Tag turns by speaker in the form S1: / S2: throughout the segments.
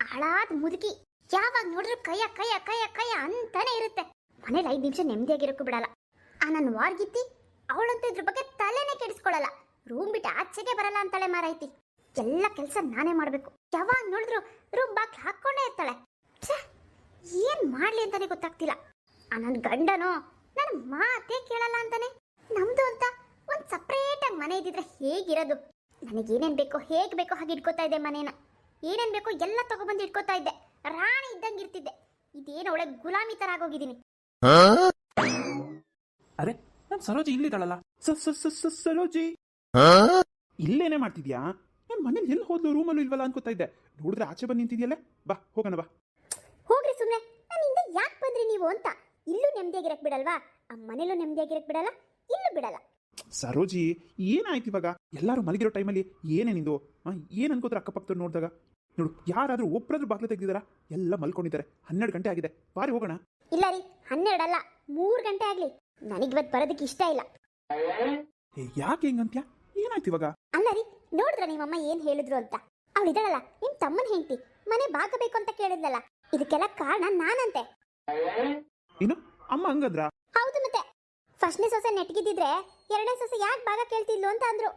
S1: ಹಾಳಾದ ಮುದುಕಿ. ಯಾವಾಗ ನೋಡಿದ್ರು ಕೈಯ ಕೈಯ ಕೈಯ ಕೈಯ ಅಂತಾನೆ ಇರುತ್ತೆ. ಮನೇಲಿ 5 ನಿಮಿಷ ನೆಮ್ಮದಿಯಾಗಿರೋಕ್ಕೂ ಬಿಡಲ್ಲ. ಆ ನನ್ನ ವಾರ್ಗಿತ್ತಿ ಅವಳಂತೂ ಇದ್ರ ಬಗ್ಗೆ ತಲೆನೇ ಕೆಡಿಸ್ಕೊಳ್ಳಲ್ಲ. ರೂಮ್ ಬಿಟ್ಟು ಆಚೆಗೆ ಬರಲ್ಲ ಅಂತಾಳೆ ಮಾರೈತಿ. ಎಲ್ಲ ಕೆಲಸ ನಾನೇ ಮಾಡಬೇಕು. ಯಾವಾಗ ನೋಡಿದ್ರು ರೂಮ್ ಬಾಕ್ಲು ಹಾಕ್ಕೊಂಡೇ ಇರ್ತಾಳೆ. ಏನ್ ಮಾಡ್ಲಿ ಅಂತಾನೆ ಗೊತ್ತಾಗ್ತಿಲ್ಲ. ಆ ನನ್ನ ಗಂಡನೋ ನನ್ನ ಮಾತೇ ಕೇಳಲ್ಲ ಅಂತಾನೆ. ನಮ್ದು ಅಂತ ಒಂದು ಸಪ್ರೇಟ್ ಆಗಿ ಮನೆ ಇದ್ದಿದ್ರೆ ಹೇಗಿರೋದು. ನನಗೇನೇನು ಬೇಕೋ ಹೇಗೆ ಬೇಕೋ ಹಾಗೆ ಇಟ್ಕೋತಾ ಇದ್ದೆ ಮನೇನ. ಏನೇನು ಬೇಕೋ ಎಲ್ಲ ತಗೊಬಂದು ಇಟ್ಕೋತಾ ಇದ್ದೆ. ರಾಣಿ ಇದ್ದಂಗೆ ಇರ್ತಿದ್ದೆ. ಇದೇನು ಒಳ್ಳೆ ಗುಲಾಮಿ ತರ ಆಗೋಗಿದ್ದೀನಿ.
S2: ಅರೆ ನಾನು ಸರೋಜಿ ಇಲ್ಲಿದ್ದಾಳಲ್ಲ. ಸರೋಜಿ ಇಲ್ಲೇನೇ ಮಾಡ್ತಿದ್ಯಾ? ನಾನು ಮನೇಲಿ ಎಲ್ಲಿ ಹೋದ್ಲು, ರೂಮಲ್ಲೂ ಇಲ್ವಲ್ಲ ಅನ್ಕೋತಾ ಇದ್ದೆ. ನೋಡಿದ್ರೆ ಆಚೆ ಬಂದು ನಿಂತಿದ್ಯಲ್ಲ. ಬಾ ಹೋಗೋಣ ಬಾ.
S1: ಹೋಗ್ರಿ ಸುಮ್ಮನೆ. ನಾನು ಹಿಂದೆ ಯಾಕೆ ಬಂದ್ರಿ ನೀವು ಅಂತ. ಇಲ್ಲೂ ನೆಮ್ಮದಿಯಾಗಿರಕ್ ಬಿಡಲ್ವಾ? ಆ ಮನೇಲೂ ನೆಮ್ಮದಿಯಾಗಿರಕ್ ಬಿಡಲ್ಲ, ಇಲ್ಲೂ ಬಿಡಲ್ಲ.
S2: ಸರೋಜಿ ಏನಾಯ್ತು ಇವಾಗ? ಎಲ್ಲರೂ ಮಲಗಿರೋ ಟೈಮಲ್ಲಿ ಏನೇ ನಿಂದು? ಏನು ಅನ್ಕೋತಾರೆ ಅಕ್ಕಪಕ್ಕದವ್ರು ನೋಡಿದಾಗ? ನೋಡು, ಯಾರಾದರೂ ಒಬ್ಬರಾದ್ರೂ ಬಾಗ್ಲು ತೆಗೆದಿದ್ದಾರಾ? ಎಲ್ಲ ಮಲ್ಕೊಂಡಿದ್ದಾರೆ. 12 ಗಂಟೆ ಆಗಿದೆ. ಬಾರಿ ಹೋಗೋಣ.
S1: ಇಲ್ಲ ರೀ, 12 ಅಲ್ಲ, 3 ಗಂಟೆ ಆಗ್ಲಿ. ನನಗಿವತ್ತು ಬರೋದಕ್ಕೆ ಇಷ್ಟ ಇಲ್ಲ.
S2: ಯಾಕೆ ಹಿಂಗಂತ್ಯಾ? ಏನಾಯ್ತು ಇವಾಗ?
S1: ಅಲ್ಲ ರೀ, ನೋಡಿದ್ರ ನಿಮ್ಮಮ್ಮ ಏನ್ ಹೇಳಿದ್ರು ಅಂತ? ಅವಳಿದಾಳಲ್ಲ ನಿಮ್ ತಮ್ಮನ ಹೆಂಡತಿ, ಮನೆ ಬಾಗಬೇಕು ಅಂತ ಕೇಳಿದ್ಲಲ್ಲ. ಇದಕ್ಕೆಲ್ಲ ಕಾರಣ ನಾನಂತೆ.
S2: ಏನು ಅಮ್ಮ ಹಂಗಂದ್ರ?
S1: ಹೌದು ಮತ್ತೆ. ಫಸ್ಟ್ನೇ ಸೊಸೆ ನೆಟ್ಗಿದ್ದಿದ್ರೆ 2ನೇ ಸೊಸೆ ಯಾಕೆ ಭಾಗ ಕೇಳ್ತಿದ್ಲು ಅಂತ ಅಂದ್ರು.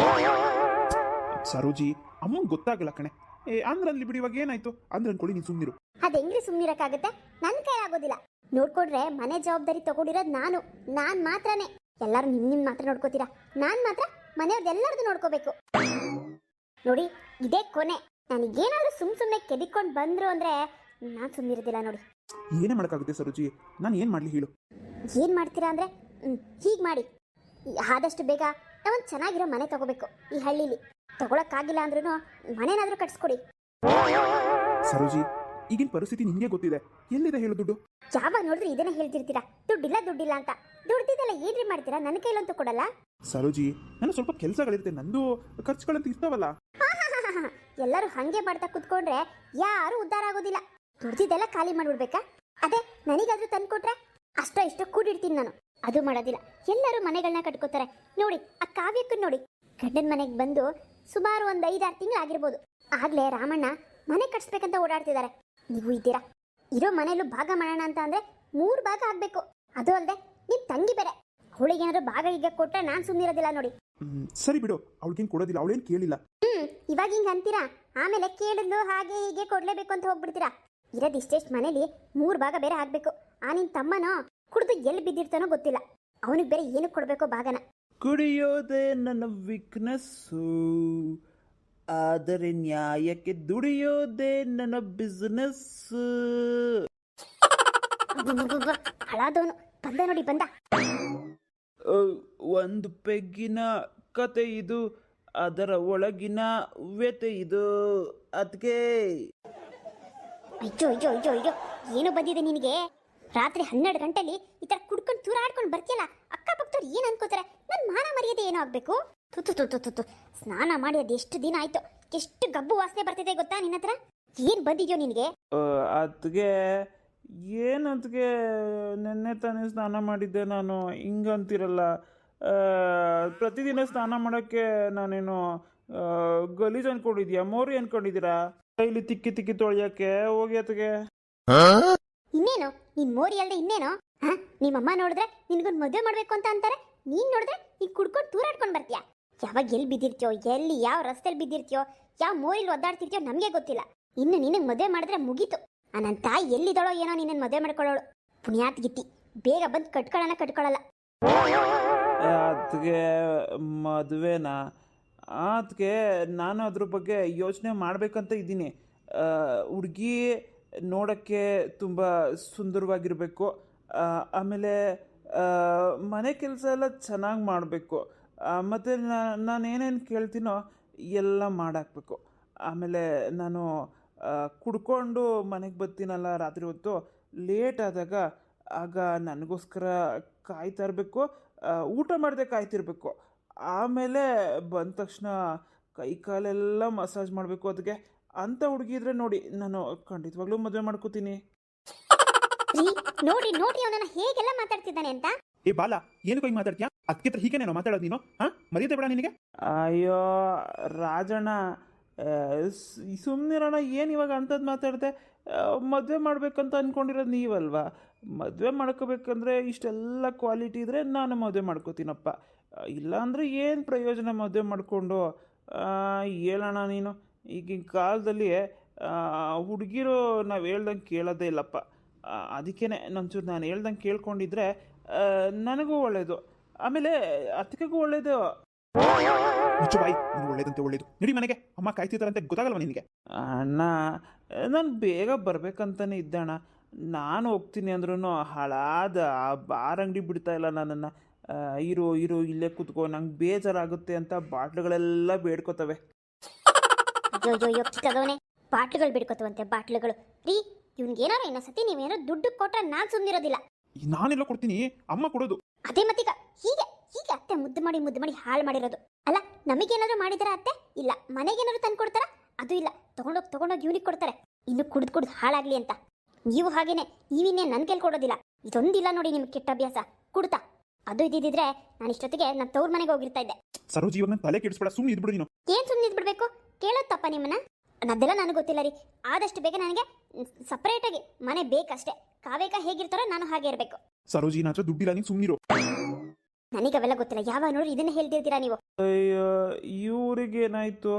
S2: ಸರೋಜಿ ಅಮ್ಮಂಗೆ ಗೊತ್ತಾಗಲ್ಲ ಕಣೆ. ಅಂದ್ರಲ್ಲಿ ಬಿಡಿ. ಇವಾಗ ಏನಾಯ್ತು ಅಂದ್ರೆ ಅನ್ಕೊಳ್ಳಿ, ನೀನು ಸುಮ್ಮನಿರು.
S1: ಅದ್ ಹೆಂಗ್ರಿ ಸುಮ್ನಿರಕ್ಕಾಗತ್ತೆ? ನನ್ ಕೈ ಆಗೋದಿಲ್ಲ. ನೋಡ್ಕೊಂಡ್ರೆ ಮನೆ ಜವಾಬ್ದಾರಿ ತಗೊಂಡಿರೋದು ನಾನ್ ಮಾತ್ರನೇ. ಎಲ್ಲರೂ ನಿಮ್ ಮಾತ್ರ ನೋಡ್ಕೋತೀರಾ, ನಾನ್ ಮಾತ್ರ ಮನೆಯವ್ರದ್ದೆಲ್ಲರದು ನೋಡ್ಕೋಬೇಕು. ನೋಡಿ, ಇದೇ ಕೊನೆ. ನನಗೇನಾದ್ರೂ ಸುಮ್ನೆ ಕೆದಿಕೊಂಡು ಬಂದ್ರು ಅಂದ್ರೆ ನಾನ್ ಸುಮ್ನಿರೋದಿಲ್ಲ ನೋಡಿ.
S2: ಏನೇ ಮಾಡಕ್ಕಾಗುತ್ತೆ ಸರೋಜಿ? ನಾನು ಏನ್ ಮಾಡ್ಲಿ ಹೇಳು?
S1: ಏನ್ ಮಾಡ್ತೀರಾ ಅಂದ್ರೆ ಹೀಗ್ ಮಾಡಿ. ಆದಷ್ಟು ಬೇಗ ನಾವೊಂದು ಚೆನ್ನಾಗಿರೋ ಮನೆ ತಗೋಬೇಕು ಈ ಹಳ್ಳಿಲಿ. ತಗೊಳಕ್ಕಾಗಿಲ್ಲ ಅಂದ್ರೂ ಮನೆನಾದ್ರೂ ಕಟ್ಸ್ಕೊಡಿ.
S2: ಸರೋಜಿ, ಈಗಿನ ಪರಿಸ್ಥಿತಿ ನಿಮಗೆ ಗೊತ್ತಿದೆ. ಎಲ್ಲಿದೆ ಹೇಳು ದುಡ್ಡು?
S1: ಯಾವಾಗ ನೋಡಿದ್ರೆ ಇದನ್ನೇ ಹೇಳ್ತಿರ್ತೀರಾ, ದುಡ್ಡಿಲ್ಲ ಅಂತ. ದುಡ್ದಿದ್ದೆಲ್ಲ ಏನ್ರಿ ಮಾಡ್ತೀರಾ? ನನ್ನ ಕೈಲಂತೂ ಕೊಡಲ್ಲ.
S2: ಸರೋಜಿ, ನಾನು ಸ್ವಲ್ಪ ಕೆಲಸಗಳಿರುತ್ತೆ, ನಂದು ಖರ್ಚುಗಳಂತ ಇರ್ತಾವಲ್ಲ.
S1: ಎಲ್ಲರೂ ಹಂಗೆ ಮಾಡ್ತಾ ಕುತ್ಕೊಂಡ್ರೆ ಯಾರು ಉದ್ಧಾರ ಆಗೋದಿಲ್ಲ. ದುಡ್ದಿದ್ದೆಲ್ಲ ಖಾಲಿ ಮಾಡ್ಬಿಡ್ಬೇಕಾ? ಅದೇ ನನಗಾದ್ರೂ ತಂದ್ಕೊಟ್ರೆ ಅಷ್ಟೋ ಇಷ್ಟೋ ಕೂಡಿಡ್ತೀನಿ ನಾನು. ಅದು ಮಾಡೋದಿಲ್ಲ. ಎಲ್ಲರೂ ಮನೆಗಳನ್ನ ಕಟ್ಕೋತಾರೆ. ನೋಡಿ, ಆ ಕಾವ್ಯಕ್ಕನ್ನು ನೋಡಿ, ಗಂಡನ ಮನೆಗೆ ಬಂದು ಸುಮಾರು ಒಂದು 5-6 ತಿಂಗಳು ಆಗಿರ್ಬೋದು. ಆಗ್ಲೇ ರಾಮಣ್ಣ ಮನೆ ಕಟ್ಸ್ಬೇಕಂತ ಓಡಾಡ್ತಿದ್ದಾರೆ. ನೀವು ಇದ್ದೀರಾ. ಇರೋ ಮನೆಯಲ್ಲೂ ಭಾಗ ಮಾಡೋಣ ಅಂತ ಅಂದ್ರೆ 3 ಭಾಗ ಆಗ್ಬೇಕು. ಅದು ಅಲ್ಲದೆ ನಿಮ್ ತಂಗಿ ಬೇರೆ. ಅವಳಿಗೇನಾದ್ರು ಭಾಗ ಈಗ ಕೊಟ್ರೆ ನಾನ್ ಸುಮ್ಮನಿರೋದಿಲ್ಲ ನೋಡಿ.
S2: ಸರಿ ಬಿಡು, ಅವಳಿಗೇನು ಕೊಡೋದಿಲ್ಲ, ಅವಳೇನು ಕೇಳಿಲ್ಲ.
S1: ಇವಾಗ ಹಿಂಗ ಅಂತೀರಾ, ಆಮೇಲೆ ಕೇಳಿದ್ಲು ಹಾಗೆ ಹೀಗೆ ಕೊಡ್ಲೇಬೇಕು ಅಂತ ಹೋಗ್ಬಿಡ್ತೀರಾ. ಇರೋದಿಷ್ಟೆಷ್ಟು ಮನೇಲಿ 3 ಭಾಗ ಬೇರೆ ಆಗ್ಬೇಕು. ಆ ನಿನ್ ತಮ್ಮನೋ ಕುಡಿದು ಎಲ್ಲಿ ಬಿದ್ದಿರ್ತಾನೋ ಗೊತ್ತಿಲ್ಲ. ಅವನಿಗೆ ಬೇರೆ ಏನಕ್ಕೆ ಕೊಡ್ಬೇಕೋ ಭಾಗನ.
S3: ಕುಡಿಯೋದೇ ನನ್ನ ವೀಕ್ನೆಸ್ಸು, ಆದರೆ ನ್ಯಾಯಕ್ಕೆ ದುಡಿಯೋದೇ ನನ್ನ ಬಿಸ್ನೆಸ್.
S1: ಹಳಾದವನು ಬಂದ ನೋಡಿ, ಬಂದ.
S3: ಒಂದು ಪೆಗ್ಗಿನ ಕತೆ ಇದು, ಅದರ ಒಳಗಿನ ವ್ಯತೆ ಇದು. ಅದಕ್ಕೆ
S1: ಅಯ್ಯೋ ಅಯ್ಯೋ ಅಯ್ಯೋ ಅಯ್ಯೋ, ಏನು ಬಂದಿದೆ ನಿನಗೆ? ರಾತ್ರಿ 12 ಗಂಟೆಲಿ ಈ ತರ ಕುಡ್ಕೊಂಡು ತೂರಾಡ್ಕೊಂಡು ಬರ್ತೀಯಲ್ಲ, ಅಕ್ಕಪಕ್ಕದವ್ರು ಏನ್ ಅನ್ಕೋತಾರೆ? ನನ್ ಮಾನ ಮರ್ಯಾದೆ ಏನೋ ಆಗ್ಬೇಕು. ತುತ್ತು ಸ್ನಾನ ಮಾಡಿ ಅದು ಎಷ್ಟು ದಿನ ಆಯ್ತು, ಎಷ್ಟು ಗಬ್ಬು ವಾಸನೆ ಬರ್ತಿದೆ ಗೊತ್ತಾ ನಿನ್ನ ಹತ್ರ? ಏನ್ ಬಂದಿದ್ಯೋ ನಿನಗೆ?
S3: ಅದಕ್ಕೆ ಏನದಕ್ಕೆ ನೆನ್ನೆ ತಾನೇ ಸ್ನಾನ ಮಾಡಿದ್ದೆ ನಾನು. ಹಿಂಗಂತಿರಲ್ಲ. ಪ್ರತಿದಿನ ಸ್ನಾನ ಮಾಡೋಕ್ಕೆ ನಾನೇನು ಗಲೀಜು ಅನ್ಕೊಂಡಿದ್ಯಾ? ಮೋರಿ ಅನ್ಕೊಂಡಿದ್ದೀರಾ? ಕೈಲಿ ತಿಕ್ಕಿ ತೊಳೆಯೋಕ್ಕೆ ಹೋಗಿ ಅದಕ್ಕೆ.
S1: ಇನ್ನೇನು ನೀನ್ ಮೋರಿ ಅಲ್ದೆ ಇನ್ನೇನು? ನಿಮ್ಮಮ್ಮ ನೋಡಿದ್ರೆ ನಿನ್ಗೊಂದು ಮದುವೆ ಮಾಡ್ಬೇಕು ಅಂತ ಅಂತಾರೆ. ನೀನ್ ನೋಡಿದ್ರೆ ನೀನ್ ಕುಡ್ಕೊಂಡು ತೂರಾಡ್ಕೊಂಡು ಬರ್ತೀಯಾ? ಯಾವಾಗ ಎಲ್ಲಿ ಬಿದ್ದಿರ್ತೀಯೋ, ಎಲ್ಲಿ ಯಾವ ರಸ್ತೆಯಲ್ಲಿ ಬಿದ್ದಿರ್ತೀಯೋ, ಯಾವ ಮೋರಿಲಿ ಒದ್ದಾಡ್ತಿರ್ತೀಯೋ ನಮಗೆ ಗೊತ್ತಿಲ್ಲ. ಇನ್ನು ನಿನಗೆ ಮದುವೆ ಮಾಡಿದ್ರೆ ಮುಗೀತು. ನನ್ನ ತಾಯಿ ಎಲ್ಲಿದ್ದಾಳೋ ಏನೋ ನಿನ್ನನ್ನು ಮದುವೆ ಮಾಡ್ಕೊಳ್ಳೋಳು. ಪುಣ್ಯಾತ್ ಗಿತ್ತಿ, ಬೇಗ ಬಂದು ಕಟ್ಕೊಳ್ಳಲ್ಲ.
S3: ಅದಕ್ಕೆ ಮದುವೆನಾ? ಅದಕ್ಕೆ ನಾನು ಅದ್ರ ಬಗ್ಗೆ ಯೋಚನೆ ಮಾಡಬೇಕಂತ ಇದ್ದೀನಿ. ಹುಡುಗಿ ನೋಡೋಕ್ಕೆ ತುಂಬ ಸುಂದರವಾಗಿರಬೇಕು. ಆಮೇಲೆ ಮನೆ ಕೆಲಸ ಎಲ್ಲ ಚೆನ್ನಾಗಿ ಮಾಡಬೇಕು. ಮತ್ತು ನಾನೇನೇನು ಕೇಳ್ತೀನೋ ಎಲ್ಲ ಮಾಡಾಕಬೇಕು. ಆಮೇಲೆ ನಾನು ಕುಡ್ಕೊಂಡು ಮನೆಗೆ ಬರ್ತೀನಲ್ಲ ರಾತ್ರಿ ಹೊತ್ತು, ಲೇಟ್ ಆದಾಗ ಆಗ ನನಗೋಸ್ಕರ ಕಾಯ್ತಾ ಇರಬೇಕು. ಊಟ ಮಾಡದೆ ಕಾಯ್ತಿರ್ಬೇಕು. ಆಮೇಲೆ ಬಂದ ತಕ್ಷಣ ಕೈ ಕಾಲೆಲ್ಲ ಮಸಾಜ್ ಮಾಡಬೇಕು. ಅದಕ್ಕೆ ಅಂಥ ಹುಡುಗಿ ಇದ್ರೆ ನೋಡಿ, ನಾನು ಖಂಡಿತವಾಗ್ಲೂ ಮದುವೆ ಮಾಡ್ಕೋತೀನಿ.
S1: ನೋಡಿ ಅವನನ್ನ ಹೇಗೆಲ್ಲ ಮಾತಾಡ್ತಿದ್ದಾನೆ ಅಂತ.
S2: ಏ ಬಾಲ, ಏನಕ್ಕೆ ಹೋಗಿ ಮಾತಾಡ್ತೀಯಾ? ಅದಕ್ಕೆ ಹೀಗೆ ನಾನು ಮಾತಾಡೋದು ನೀನು? ಮರ್ಯಾದೆ ಬೇಡ ನಿನಗೆ?
S3: ಅಯ್ಯೋ ರಾಜಣ್ಣ, ಸುಮ್ಮನಿರೋಣ, ಏನು ಇವಾಗ ಅಂಥದ್ದು ಮಾತಾಡಿದೆ? ಮದುವೆ ಮಾಡಬೇಕಂತ ಅಂದ್ಕೊಂಡಿರೋದು ನೀವಲ್ವಾ? ಮದುವೆ ಮಾಡ್ಕೋಬೇಕಂದ್ರೆ ಇಷ್ಟೆಲ್ಲ ಕ್ವಾಲಿಟಿ ಇದ್ದರೆ ನಾನು ಮದುವೆ ಮಾಡ್ಕೋತೀನಪ್ಪ. ಇಲ್ಲಾಂದರೆ ಏನು ಪ್ರಯೋಜನ ಮದುವೆ ಮಾಡಿಕೊಂಡು? ಹೇಳೋಣ ನೀನು, ಈಗಿನ ಕಾಲದಲ್ಲಿ ಹುಡುಗಿರು ನಾವು ಹೇಳ್ದಂಗೆ ಕೇಳೋದೇ ಇಲ್ಲಪ್ಪ. ಅದಕ್ಕೇ ನಂಚೂರು ನಾನು ಹೇಳ್ದಂಗೆ ಕೇಳ್ಕೊಂಡಿದ್ರೆ ನನಗೂ ಒಳ್ಳೆಯದು, ಆಮೇಲೆ ಅತ್ತಿಗೆಗೂ ಒಳ್ಳೆಯದು.
S2: ಮುಚ್ಚು ಬಾಯಿ, ನೀನು ಒಳ್ಳೇದಂತೆ ಒಳ್ಳೇದು. ನಡಿ ಮನೆಗೆ, ಅಮ್ಮ ಕಾಯ್ತಿದ್ದಾರಂತೆ ಗೊತ್ತಾಗಲ್ವ ನಿನಗೆ?
S3: ಅಣ್ಣ, ನಾನು ಬೇಗ ಬರ್ಬೇಕಂತಾನೆ ಇದ್ದಣ್ಣ. ನಾನು ಹೋಗ್ತೀನಿ ಅಂದ್ರೂ ಹಾಳಾದ ಆ ಬಾರ್ ಅಂಗಡಿ ಬಿಡ್ತಾ ಇಲ್ಲ ನನ್ನನ್ನು. ಇರು ಇರು ಇಲ್ಲೇ ಕೂತ್ಕೋ, ನಂಗೆ ಬೇಜಾರಾಗುತ್ತೆ ಅಂತ ಬಾಟ್ಲುಗಳೆಲ್ಲ ಬೇಡ್ಕೋತವೆ.
S1: ಅಯ್ಯೋ ಅಯ್ಯೋ ಅಯ್ಯೋ ಕಿಕ್ಕದವನೇ, ಬಾಟ್ಲುಗಳು ಬಿಡ್ಕೋತವಂತೆ ಬಾಟ್ಲುಗಳು. ರೀ, ಇವ್ನಿಗೇನಾರು ಇನ್ನೊಂದ್ಸತಿ ನೀವೇನಾರು ದುಡ್ಡು ಕೊಟ್ರೆ ನಾನು ಸುಮ್ಮನಿರೋದಿಲ್ಲ.
S2: ನಾನೆಲ್ಲ ಕೊಡ್ತೀನಿ, ಅಮ್ಮ ಕೊಡೋದು.
S1: ಅದೇ ಮತ್ತೀಗ ಹೀಗೆ ಹೀಗೆ ಅತ್ತೆ ಮುದ್ದು ಮಾಡಿ ಹಾಳು ಮಾಡಿರೋದು. ಅಲ್ಲ, ನಮಗೇನಾದ್ರು ಮಾಡಿದಾರ ಅತ್ತೆ? ಇಲ್ಲ. ಮನೆಗೇನಾದ್ರು ತಂದು ಕೊಡ್ತಾರ? ಅದು ಇಲ್ಲ. ತಗೊಂಡೋಗಿ ಇವ್ನಿಗೆ ಕೊಡ್ತಾರೆ, ಇನ್ನು ಕುಡ್ದು ಹಾಳಾಗ್ಲಿ ಅಂತ. ನೀವು ಹಾಗೇನೆ, ನೀವಿನ್ನೇ ನನ್ನ ಕೈಲಿ ಕೊಡೋದಿಲ್ಲ. ಇದೊಂದಿಲ್ಲ ನೋಡಿ ನಿಮ್ಗೆ ಕೆಟ್ಟ ಅಭ್ಯಾಸ, ಕುಡ್ತಾ. ಅದು ಇದ್ದಿದ್ರೆ ನಾನು ಇಷ್ಟೊತ್ತಿಗೆ ನಾನು ತವ್ರ ಮನೆಗೆ ಹೋಗಿರ್ತಾ ಇದ್ದೆ.
S2: ಸರೋಜಿ, ಇವಾಗ ನನ್ನ ತಲೆ ಕೆಡಿಸ್ಬೇಡ, ಸುಮ್ಮನೆ ಇದ್ಬಿಡು ನೀನು.
S1: ಏನ್ ಸುಮ್ಮನೆ ಇದ್ಬಿಡ್ಬೇಕು? ಕೇಳೋದು ತಪ್ಪ ನಿಮ್ಮನ್ನ? ಅದೆಲ್ಲ ನನಗೆ ಗೊತ್ತಿಲ್ಲ ರೀ. ಆದಷ್ಟು ಬೇಗ ನನಗೆ ಸಪ್ರೇಟಾಗಿ ಮನೆ ಬೇಕಷ್ಟೇ. ಕಾವೇಕ ಹೇಗಿರ್ತಾರೋ ನಾನು ಹಾಗೆ ಇರಬೇಕು.
S2: ಸರೋಜಿ, ನನ್ನ ಹತ್ರ ದುಡ್ಡಿಲ್ಲ, ನೀನು ಸುಮ್ಮನಿರು.
S1: ನನಗೆ ಅವೆಲ್ಲ ಗೊತ್ತಿಲ್ಲ. ಯಾವಾಗ ನೋಡಿ ಇದನ್ನೇ ಹೇಳ್ತಿರ್ತೀರಾ ನೀವು.
S3: ಅಯ್ಯೋ, ಇವ್ರಿಗೇನಾಯಿತು?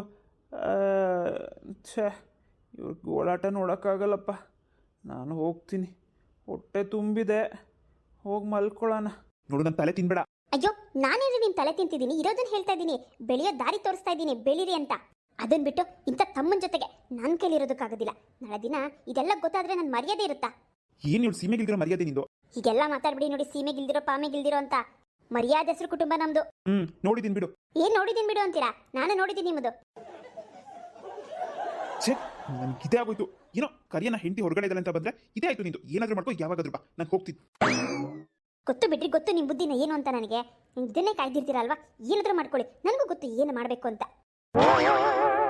S3: ಛೇ, ಇವ್ರಿಗೆ ಓಡಾಟ ನೋಡೋಕ್ಕಾಗಲ್ಲಪ್ಪ. ನಾನು ಹೋಗ್ತೀನಿ, ಹೊಟ್ಟೆ ತುಂಬಿದೆ, ಹೋಗಿ ಮಲ್ಕೊಳ್ಳೋಣ.
S2: ನೋಡು, ನನ್ನ ತಲೆ ತಿನ್ಬೇಡ.
S1: ಅಯ್ಯೋ, ನಾನೇನು ನಿಮ್ ತಲೆ ತಿಂತಿದ್ದೀನಿ? ಇರೋದನ್ನ ಹೇಳ್ತಾ ಇದ್ದೀನಿ, ಬೆಳೆಯೋ ದಾರಿ ತೋರಿಸ್ತಾ ಇದ್ದೀನಿ, ಬೆಳೀರಿ ಅಂತ. ಅದನ್ನ ಬಿಟ್ಟು ಇಂಥ ತಮ್ಮನ ಜೊತೆಗೆ ನನ್ನ ಕೈಲಿ ಇರೋದಕ್ಕಾಗೋದಿಲ್ಲ. ನಾಳೆ ದಿನ ಇದೆಲ್ಲ ಗೊತ್ತಾದ್ರೆ ನನ್ನ ಮರ್ಯಾದೆ ಇರುತ್ತಾ?
S2: ಏನು ಹೇಳು, ಸೀಮೆಗಿಲ್ದಿರೋ ಮರ್ಯಾದೆ ನಿಂದು.
S1: ಹೀಗೆಲ್ಲ ಮಾತಾಡ್ಬಿಡಿ ನೋಡಿ, ಸೀಮೆಗಿಲ್ದಿರೋ ಪಾಮೆಗಿಲ್ದಿರೋ ಅಂತ. ಮರ್ಯಾದೆ ಹೆಸರು ಕುಟುಂಬ ನಮ್ದು.
S2: ನೋಡಿದ್ದೀನಿ ಬಿಡು.
S1: ಏನ್ ನೋಡಿದೀನಿ ಬಿಡು ಅಂತೀರಾ? ನಾನು ನೋಡಿದ್ದೀನಿ ನಿಮ್ಮದು.
S2: ಛೇ, ನನ್ಗೆ ಇದೇ ಆಗೋಯ್ತು. ಏನೋ ಕರಿಯನ ಹೆಂಡತಿ ಹೊರಗಡೆ ಇದ್ದಾಳೆ ಅಂತ ಬಂದ್ರೆ ಇದೇ ಆಯ್ತು ನಿಂದು. ಏನಾದ್ರೂ ಮಾಡ್ಕೋ, ಯಾವಾಗಾದ್ರೂ ಬಾ, ನಾನು ಹೋಗ್ತೀನಿ.
S1: ಗೊತ್ತು ಬಿಡ್ರಿ, ಗೊತ್ತು ನಿಮ್ಮ ಬುದ್ಧಿನ ಏನು ಅಂತ ನನಗೆ. ಇದನ್ನೇ ಕಾಯ್ದಿರ್ತೀರಲ್ವಾ? ಏನಾದ್ರೂ ಮಾಡ್ಕೊಳ್ಳಿ, ನನಗೂ ಗೊತ್ತು ಏನು ಮಾಡಬೇಕು ಅಂತ.